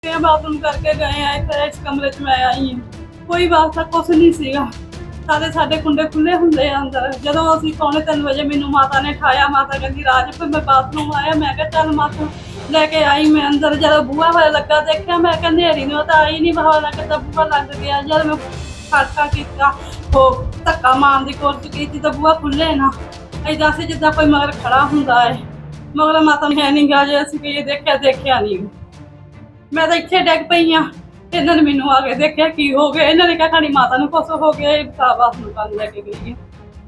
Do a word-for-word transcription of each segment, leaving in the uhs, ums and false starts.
Bathroom करके गए हैं इत्थे इस कमरे च मैं आई हूं, कोई वास्ता कुछ नहीं सीगा। सारे साडे कुंडे खुले हुंदे आ अंदर। जदों असीं पौने तीन बजे मैनू माता ने उठाया, माता कहंदी राज फिर मैं बाथरूम आया, मैं कहा चल माता लेके आई मैं अंदर। जदों बूहा होया लगा देखिया मैं कहा नेरी ने तां आई नहीं, हवा लगदा बूहा लग गया। जद मैं खड़का कीता हो धक्का मारन दी कोशिश कीती तां बूहा खुले ना, ऐदां सी जिद्दां कोई मगर खड़ा हुंदा है। मगर माता ने है नहीं गा जे असीं कहिए देखिया देखिया नहीं। मैं तो इत्थे डिग पई हाँ, इन्हां ने मैनू आके देखिया की हो गया। इन्हां ने कहा खानी माता नूं कुछ हो गया, ये बास नूं कल लैके गई है।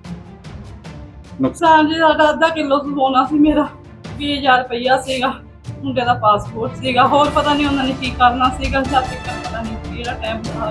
नुकसान जी साडा अद्धा किलो सोना सी, मेरा बीस हज़ार रुपया सीगा, मुंडे दा पासपोर्ट सीगा, होर पता नहीं उन्हां ने की करना सीगा। जाति का पता नहीं किहड़ा टाइम था।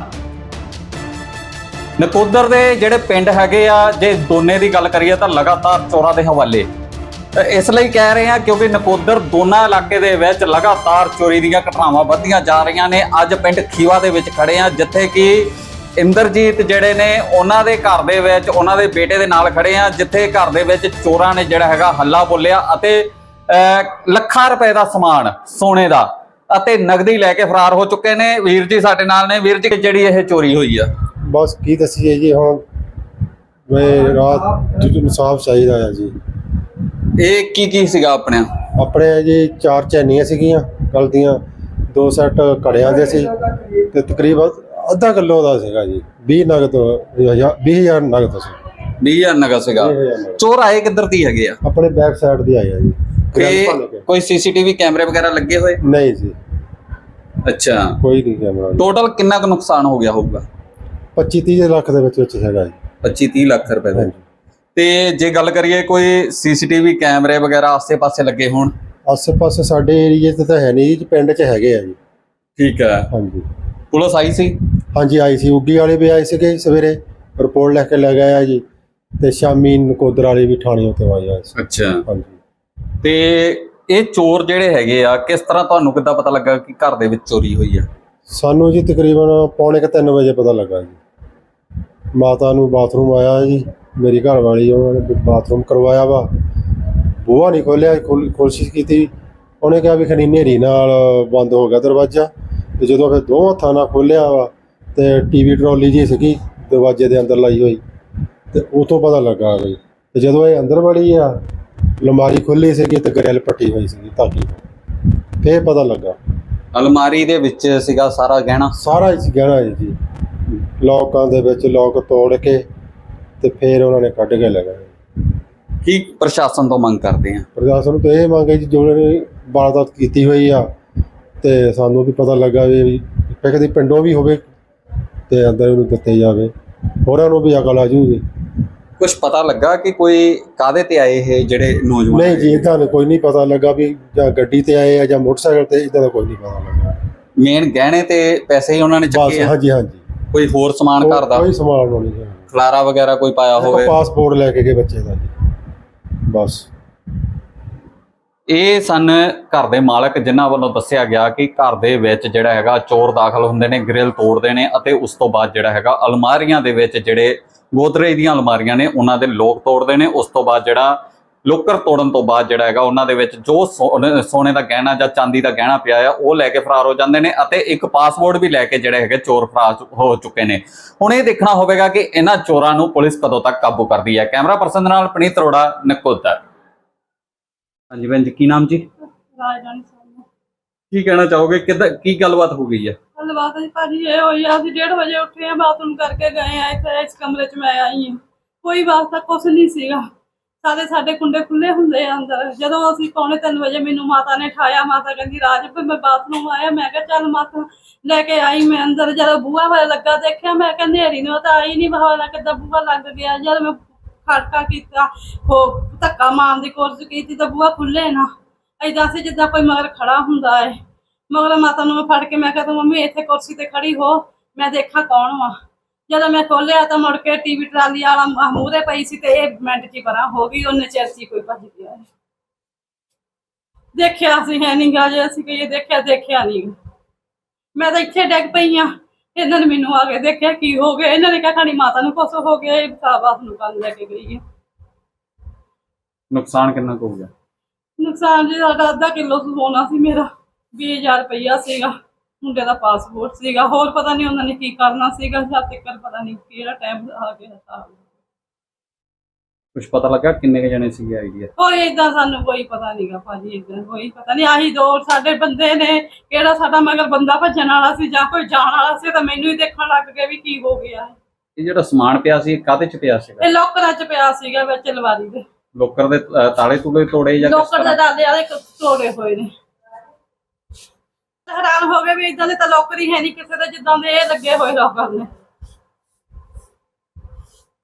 नकोदर दे ਜਿਹੜੇ ਪਿੰਡ ਹੈਗੇ ਆ, ਜੇ ਦੋਨੇ ਦੀ ਗੱਲ ਕਰੀਏ ਤਾਂ ਲਗਾਤਾਰ ਚੋਰਾਂ ਦੇ ਹਵਾਲੇ। ਇਸ ਲਈ ਕਹਿ ਰਹੇ ਹਾਂ ਕਿਉਂਕਿ ਨਕੋਦਰ ਦੋਨਾ ਇਲਾਕੇ ਦੇ ਵਿੱਚ ਲਗਾਤਾਰ ਚੋਰੀ ਦੀਆਂ ਘਟਨਾਵਾਂ ਵੱਧਦੀਆਂ ਜਾ ਰਹੀਆਂ ਨੇ। ਅੱਜ ਪਿੰਡ ਖੀਵਾ ਦੇ ਵਿੱਚ ਖੜੇ ਆ, ਜਿੱਥੇ ਕਿ ਇੰਦਰਜੀਤ ਜਿਹੜੇ ਨੇ ਉਹਨਾਂ ਦੇ ਘਰ ਦੇ ਵਿੱਚ ਉਹਨਾਂ ਦੇ ਬੇਟੇ ਦੇ ਨਾਲ ਖੜੇ ਆ, ਜਿੱਥੇ ਘਰ ਦੇ ਵਿੱਚ ਚੋਰਾਂ ਨੇ ਜਿਹੜਾ ਹੈਗਾ ਹੱਲਾ ਬੋਲਿਆ ਅਤੇ ਲੱਖਾਂ ਰੁਪਏ ਦਾ ਸਮਾਨ ਸੋਨੇ ਦਾ ਅਤੇ ਨਗਦੀ ਲੈ ਕੇ ਫਰਾਰ ਹੋ ਚੁੱਕੇ ਨੇ। ਵੀਰ ਜੀ ਸਾਡੇ ਨਾਲ ਨੇ। ਵੀਰ ਜੀ ਜਿਹੜੀ ਇਹ ਚੋਰੀ ਹੋਈ ਆ बस की दसीए जी, हम मैं रात इंसाफ चाहिए जी। ਇਹ ਕੀ ਕੀ ਸੀਗਾ ਆਪਣੇ? ਆਪਣੇ ਜੀ ਚਾਰ ਚੈਨੀਆਂ ਸੀਗੀਆਂ ਕੱਲ ਦੀਆਂ, ਦੋ ਸੈੱਟ ਘੜਿਆਂ ਦੇ ਸੀ ਤੇ ਤਕਰੀਬਨ ਅੱਧਾ ਕਿਲੋ ਦਾ ਸੀਗਾ ਜੀ। ਵੀਹ ਨਗਦ ਵੀਹ ਹਜ਼ਾਰ ਨਗਦ ਸੀ। ਵੀਹ ਹਜ਼ਾਰ ਨਗਾ ਸੀਗਾ। ਚੋਰ ਆਏ ਕਿੱਧਰ ਦੀ ਹੈਗੇ ਆ? ਆਪਣੇ ਬੈਕ ਸਾਈਡ ਦੀ ਆਏ ਆ ਜੀ। ਤੇ ਕੋਈ ਸੀਸੀਟੀਵੀ ਕੈਮਰੇ ਵਗੈਰਾ ਲੱਗੇ ਹੋਏ? ਨਹੀਂ ਜੀ, ਅੱਛਾ, ਕੋਈ ਨਹੀਂ ਕੈਮਰਾ। ਟੋਟਲ ਕਿੰਨਾ ਕੁ ਨੁਕਸਾਨ ਹੋ ਗਿਆ ਹੋਊਗਾ? ਪੱਚੀ ਤੀਹ ਲੱਖ ਦੇ ਵਿੱਚ ਵਿੱਚ ਹੈਗਾ ਜੀ। ਪੱਚੀ ਤੀਹ ਲੱਖ ਰੁਪਏ ਦਾ। ਤੇ ਜੇ ਗੱਲ ਕਰੀਏ ਕੋਈ ਸੀਸੀਟੀਵੀ ਕੈਮਰੇ ਵਗੈਰਾ ਆਸੇ-ਪਾਸੇ ਲੱਗੇ ਹੋਣ? ਆਸੇ-ਪਾਸੇ ਸਾਡੇ ਏਰੀਏ ਤੇ ਤਾਂ ਹੈ ਨਹੀਂ ਜੀ, ਪਿੰਡ 'ਚ ਹੈਗੇ ਆ ਜੀ। ਠੀਕ ਹੈ। ਹਾਂਜੀ, ਪੁਲਿਸ ਆਈ ਸੀ? ਹਾਂਜੀ ਆਈ ਸੀ, ਉੱਗੀ ਵਾਲੇ ਵੀ ਆਏ ਸੀਗੇ ਸਵੇਰੇ, ਰਿਪੋਰਟ ਲੈ ਕੇ ਲੈ ਗਏ ਆ ਜੀ। ਤੇ ਸ਼ਾਮੀ ਨਕੋਦਰ ਵਾਲੇ ਵੀ ਥਾਣੇ ਉੱਤੇ ਆਏ ਆ। ਅੱਛਾ। ਹਾਂਜੀ। ਤੇ ਇਹ ਚੋਰ ਜਿਹੜੇ ਹੈਗੇ ਆ, ਕਿਸ ਤਰ੍ਹਾਂ ਤੁਹਾਨੂੰ ਕਿੱਦਾਂ ਪਤਾ ਲੱਗਾ ਕਿ ਘਰ ਦੇ ਵਿੱਚ ਚੋਰੀ ਹੋਈ ਆ? ਸਾਨੂੰ ਜੀ ਤਕਰੀਬਨ ਪੌਣੇ ਕੁ ਤਿੰਨ ਵਜੇ ਪਤਾ ਲੱਗਾ ਜੀ। ਮਾਤਾ ਨੂੰ ਬਾਥਰੂਮ ਆਇਆ ਜੀ, ਮੇਰੀ ਘਰ ਵਾਲੀ ਉਹਨਾਂ ਨੇ ਬਾਥਰੂਮ ਕਰਵਾਇਆ ਵਾ, ਬੂਹਾ ਨਹੀਂ ਖੋਲ੍ਹਿਆ, ਕੋਸ਼ਿਸ਼ ਕੀਤੀ, ਉਹਨੇ ਕਿਹਾ ਵੀ ਖਨੀ ਹਨੇਰੀ ਨਾਲ ਬੰਦ ਹੋ ਗਿਆ ਦਰਵਾਜ਼ਾ। ਤੇ ਜਦੋਂ ਫਿਰ ਦੋ ਹੱਥਾਂ ਨਾਲ ਖੋਲ੍ਹਿਆ ਵਾ ਤੇ ਟੀਵੀ ਟਰੋਲੀ ਜੀ ਸੀਗੀ ਦਰਵਾਜ਼ੇ ਦੇ ਅੰਦਰ ਲਾਈ ਹੋਈ, ਤੇ ਉਹ ਤੋਂ ਪਤਾ ਲੱਗਾ ਬਈ। ਤੇ ਜਦੋਂ ਇਹ ਅੰਦਰ ਵੜੀ ਆ, ਅਲਮਾਰੀ ਖੁੱਲ੍ਹੀ ਸੀਗੀ ਤੇ ਗਰੈਲ ਪੱਟੀ ਹੋਈ ਸੀਗੀ ਧਾਗੀ, ਫਿਰ ਪਤਾ ਲੱਗਾ। ਅਲਮਾਰੀ ਦੇ ਵਿੱਚ ਸੀਗਾ ਸਾਰਾ ਗਹਿਣਾ? ਸਾਰਾ ਹੀ ਗਹਿਣਾ ਜੀ, ਲੋਕਾਂ ਦੇ ਵਿੱਚ ਲੋਕ ਤੋੜ ਕੇ ਤੇ ਫਿਰ ਉਹਨਾਂ ਨੇ ਕੱਢ ਕੇ ਲੈ ਗਏ। ਕੀ ਪ੍ਰਸ਼ਾਸਨ ਤੋਂ ਮੰਗ ਕਰਦੇ ਆ? ਪ੍ਰਸ਼ਾਸਨ ਤੋਂ ਇਹ ਮੰਗ ਹੈ ਜੀ, ਜੋ ਨੇ ਵਾਰਦਾਤ ਕੀਤੀ ਹੋਈ ਆ ਤੇ ਸਾਨੂੰ ਵੀ ਪਤਾ ਲੱਗਾ ਵੀ ਕਦੇ ਪਿੰਡੋਂ ਵੀ ਹੋਵੇ ਤੇ ਅੰਦਰ ਉਹਨੂੰ ਦਿੱਤੇ ਜਾਵੇ, ਹੋਰਾਂ ਨੂੰ ਵੀ ਅਕਲ ਆ ਜੂਗੀ। ਕੁਝ ਪਤਾ ਲੱਗਾ ਕਿ ਕੋਈ ਕਾਹਦੇ ਤੇ ਆਏ ਇਹ ਜਿਹੜੇ ਨੌਜਵਾਨ? ਨਹੀਂ ਜੀ, ਇੱਦਾਂ ਕੋਈ ਨਹੀਂ ਪਤਾ ਲੱਗਾ ਵੀ ਜਾਂ ਗੱਡੀ ਤੇ ਆਏ ਆ ਜਾਂ ਮੋਟਰਸਾਈਕਲ ਤੇ, ਇੱਦਾਂ ਦਾ ਕੋਈ ਨਹੀਂ ਪਤਾ ਲੱਗਾ। ਮੇਨ ਗਹਿਣੇ ਤੇ ਪੈਸੇ ਹੀ ਉਹਨਾਂ ਨੇ ਚੱਕੇ ਆ? ਹਾਂਜੀ ਹਾਂਜੀ। ਕੋਈ ਹੋਰ ਸਮਾਨ ਘਰ ਦਾ? ਕੋਈ ਸਮਾਨ ਨਹੀਂ, ਖਲਾਰਾ ਵਗੈਰਾ ਕੋਈ ਪਾਇਆ ਹੋਵੇ? ਪਾਸਪੋਰਟ ਲੈ ਕੇ ਗਏ ਬੱਚੇ ਦਾ ਜੀ, ਬਸ। ਇਹ ਸਨ ਘਰ ਦੇ ਮਾਲਕ, ਜਿਨ੍ਹਾਂ ਵੱਲੋਂ ਦੱਸਿਆ ਗਿਆ ਕਿ ਘਰ ਦੇ ਵਿੱਚ ਜਿਹੜਾ ਹੈਗਾ ਚੋਰ ਦਾਖਲ ਹੁੰਦੇ ਨੇ, ਗ੍ਰਿਲ ਤੋੜਦੇ ਨੇ ਅਤੇ ਉਸ ਤੋਂ ਬਾਅਦ ਜਿਹੜਾ ਹੈਗਾ ਅਲਮਾਰੀਆਂ ਦੇ ਵਿੱਚ ਜਿਹੜੇ ਗੋਦਰੇਜ ਦੀਆਂ ਅਲਮਾਰੀਆਂ ਨੇ ਉਹਨਾਂ ਦੇ ਲੋਕ ਤੋੜਦੇ ਨੇ। ਉਸ ਤੋਂ ਬਾਅਦ ਜਿਹੜਾ ਲੋਕਰ ਤੋੜਨ ਤੋਂ ਬਾਅਦ ਜਿਹੜਾ ਹੈਗਾ ਉਹਨਾਂ ਦੇ ਵਿੱਚ ਜੋ ਸੋਨੇ ਦਾ ਗਹਿਣਾ ਜਾਂ ਚਾਂਦੀ ਦਾ ਗਹਿਣਾ ਪਿਆ ਆ ਉਹ ਲੈ ਕੇ ਫਰਾਰ ਹੋ ਜਾਂਦੇ ਨੇ ਅਤੇ ਇੱਕ ਪਾਸਪੋਰਟ ਵੀ ਲੈ ਕੇ ਜਿਹੜੇ ਹੈਗੇ ਚੋਰ ਫਰਾਰ ਹੋ ਚੁੱਕੇ ਨੇ। ਹੁਣ ਇਹ ਦੇਖਣਾ ਹੋਵੇਗਾ ਕਿ ਇਹਨਾਂ ਚੋਰਾਂ ਨੂੰ ਪੁਲਿਸ ਕਦੋਂ ਤੱਕ ਕਾਬੂ ਕਰਦੀ ਹੈ। ਕੈਮਰਾ ਪਰਸਨ ਨਾਲ ਪਨੀਤ ਅਰੋੜਾ, ਨਕੋਦਰ। ਹਾਂਜੀ ਭੈਣ ਜੀ, ਕੀ ਨਾਮ ਜੀ? ਰਾਜਰਾਣੀ ਸਾਹਿਬ। ਕੀ ਕਹਿਣਾ ਚਾਹੋਗੇ, ਕਿੱਦਾਂ ਕੀ ਗੱਲਬਾਤ ਹੋ ਗਈ ਹੈ? ਗੱਲਬਾਤ ਜੀ ਭਾਜੀ ਇਹ ਹੋਈ ਆ, ਅਸੀਂ ਡੇਢ ਵਜੇ ਉੱਠੇ ਆ, ਬਾਥਰੂਮ ਕਰਕੇ ਗਏ ਆ ਇੱਥੇ ਇਸ ਕਮਰੇ 'ਚ ਮੈਂ ਆਈ ਹਾਂ, ਕੋਈ ਵਾਸਤਾ ਕੁਛ ਨਹੀਂ ਸੀਗਾ। ਸਾਰੇ ਸਾਡੇ ਕੁੰਡੇ ਖੁੱਲੇ ਹੁੰਦੇ ਆ ਅੰਦਰ। ਜਦੋਂ ਅਸੀਂ ਪੌਣੇ ਤਿੰਨ ਵਜੇ ਮੈਨੂੰ ਮਾਤਾ ਨੇ ਉਠਾਇਆ, ਮਾਤਾ ਕਹਿੰਦੀ ਰਾਜ ਫਿਰ ਮੈਂ ਬਾਥਰੂਮ ਆਇਆ, ਮੈਂ ਕਿਹਾ ਚੱਲ ਮਾਤਾ ਲੈ ਕੇ ਆਈ ਮੈਂ ਅੰਦਰ। ਜਦੋਂ ਬੂਹਾ ਹੋਇਆ ਲੱਗਾ ਦੇਖਿਆ, ਮੈਂ ਕਿਹਾ ਨੇਰੀ ਨੇ ਤਾਂ ਆਈ ਨਹੀਂ, ਹਵਾ ਲੱਗਦਾ ਬੂਹਾ ਲੱਗ ਗਿਆ। ਜਦ ਮੈਂ ਖੜਕਾ ਕੀਤਾ ਹੋ ਧੱਕਾ ਮਾਰਨ ਦੀ ਕੋਸ਼ਿਸ਼ ਕੀਤੀ ਤਾਂ ਬੂਹਾ ਖੁੱਲੇ ਨਾ, ऐदां सी जिद्दां कोई मगर खड़ा हुंदा है। मगर माता नूं मैं फड़ के मैं कहा मम्मी इत्थे कुर्सी ते खड़ी हो, मैं देखा कौन वा। जदों मैं खोलिया तो मुड़ के टीवी ट्राली वाला मूहरे पई सी ते मिंट च परां हो गई, उन्ने चिर च कोई भज गया। देखिया असीं है नहीं गा, जे असीं कहिए देखिया देखिया नहीं। मैं तो इत्थे डिग पई हाँ, इन्हां ने मैनूं आ के देखिया की हो गया। इन्हां ने कहा खानी माता नूं कुछ हो गया, बास नूं कल लैके गई है। नुकसान कितना हो गया? नुकसान जी साडा अद्धा किलो सोना सी मेरा, ਵੀਹ ਹਜ਼ਾਰ ਰੁਪਈਆ ਸੀਗਾ, ਮੁੰਡੇ ਦਾ ਪਾਸਪੋਰਟ ਸੀਗਾ, ਹੋਰ ਪਤਾ ਨਹੀਂ ਉਹਨਾਂ ਨੇ ਕੀ ਕਰਨਾ ਸੀਗਾ। ਜਦ ਤੱਕ ਪਤਾ ਨਹੀਂ ਕਿਹੜਾ ਟਾਈਮ ਆ ਗਿਆ ਤਾਂ ਕੁਝ ਪਤਾ ਲੱਗਾ ਕਿੰਨੇ ਕੁ ਜਣੇ ਸੀਗੇ ਆਈਡੀਆ? ਕੋਈ ਏਦਾਂ ਸਾਨੂੰ ਕੋਈ ਪਤਾ ਨਹੀਂਗਾ ਭਾਜੀ, ਏਦਾਂ ਕੋਈ ਪਤਾ ਨਹੀਂ। ਆਹੀ ਦੋ ਸਾਡੇ ਬੰਦੇ ਨੇ, ਕਿਹੜਾ ਸਾਡਾ ਮਗਰ ਬੰਦਾ ਭੱਜਣ ਵਾਲਾ ਸੀ ਜਾਂ ਕੋਈ ਜਾਣ ਵਾਲਾ ਸੀ, ਤਾਂ ਮੈਨੂੰ ਹੀ ਦੇਖਣ ਲੱਗ ਗਏ ਵੀ ਕੀ ਹੋ ਗਿਆ। ਇਹ ਜਿਹੜਾ ਸਮਾਨ ਪਿਆ ਸੀ ਕਾਹਦੇ ਚ ਪਿਆ ਸੀਗਾ? ਇਹ ਲੋਕਰਾਂ 'ਚ ਪਿਆ ਸੀਗਾ ਵਿੱਚ ਅਲਮਾਰੀ ਦੇ। ਲੋਕਰ ਦੇ ਅ, ਤਾਲੇ ਤੂਲੇ ਤੋੜੇ ਜਾਂ ਕਿਸ ਲੋਕਰ ਦੇ ਤਰ੍ਹਾਂ? ਦਾਦੇ ਵਾਲੇ ਤੋੜੇ ਹੋਏ ਨੇ। ਹੈਰਾਨ ਹੋ ਗਏ ਵੀ ਇਦਾਂ ਦੇ ਤਾਂ ਲੋਕਰ ਹੀ ਹੈ ਨਹੀਂ ਕਿਸੇ ਦੇ ਜਿੱਦਾਂ ਦੇ ਇਹ ਲੱਗੇ ਹੋਏ ਲੋਕਰ ਨੇ।